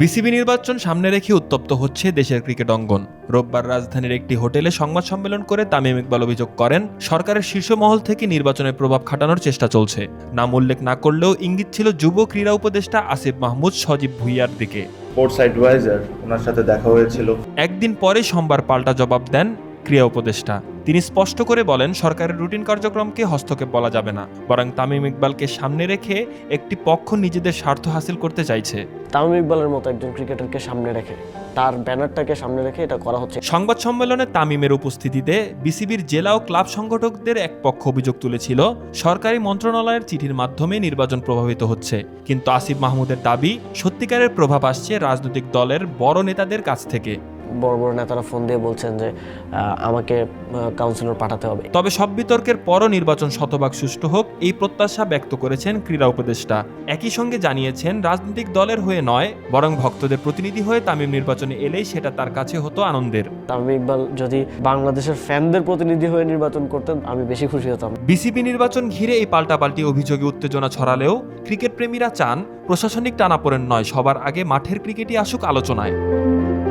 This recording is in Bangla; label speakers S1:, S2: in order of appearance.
S1: বিসিবি নির্বাচন সামনে রেখে উত্তপ্ত হচ্ছে দেশের ক্রিকেট অঙ্গন। রোববার রাজধানীর একটি হোটেলে সংবাদ সম্মেলন করে তামিম ইকবাল অভিযোগ করেন, সরকারের শীর্ষ মহল থেকে নির্বাচনের প্রভাব খাটানোর চেষ্টা চলছে। নাম উল্লেখ না করলেও ইঙ্গিত ছিল যুব ক্রীড়া উপদেষ্টা আসিফ মাহমুদ সজীব ভুঁইয়ার দিকে।
S2: স্পোর্টস অ্যাডভাইজার ওনার সাথে দেখা হয়েছিল।
S1: একদিন পরে সোমবার পাল্টা জবাব দেন ক্রীড়া উপদেষ্টা। তিনি স্পষ্ট করে বলেন, সরকারের রুটিন কার্যক্রমকে হস্তক্ষেপ বলা যাবে না, বরং তামিম ইকবালকে সামনে রেখে একটি পক্ষ নিজেদের স্বার্থ হাসিল করতে চাইছে।
S3: তামিম ইকবালের মতো একজন ক্রিকেটারকে সামনে রেখে, তার ব্যানারটাকে সামনে রেখে এটা করা হচ্ছে।
S1: সংবাদ সম্মেলনে তামিমের উপস্থিতিতে বিসিবির জেলা ও ক্লাব সংগঠকদের এক পক্ষ অভিযোগ তুলেছিল, সরকারি মন্ত্রণালয়ের চিঠির মাধ্যমে নির্বাচন প্রভাবিত হচ্ছে। কিন্তু আসিফ মাহমুদের দাবি, সত্যিকারের প্রভাব আসছে রাজনৈতিক দলের বড় নেতাদের কাছ থেকে।
S3: বড় বড় নেতারা ফোন দিয়ে বলছেন যে আমাকে কাউন্সিলর পাঠাতে হবে।
S1: তবে সব বিতর্কের পরও নির্বাচন শতভাগ সুষ্ঠু হোক, এই প্রত্যাশা ব্যক্ত করেছেন ক্রীড়া উপদেষ্টা। একই সঙ্গে জানিয়েছেন, রাজনৈতিক দলের হয়ে নয়, বরং ভক্তদের প্রতিনিধি হয়ে তামিম নির্বাচনে এলেই সেটা তার কাছে হতো আনন্দের।
S3: তামিম ইকবাল যদি বাংলাদেশের ফ্যানদের প্রতিনিধি হয়ে নির্বাচন করতেন, আমি বেশি খুশি হতাম।
S1: বিসিবি নির্বাচন ঘিরে এই পাল্টাপাল্টি অভিযোগে উত্তেজনা ছড়ালেও ক্রিকেট প্রেমীরা চান, প্রশাসনিক টানাপোড়েন নয়, সবার আগে মাঠের ক্রিকেটই আসুক আলোচনায়।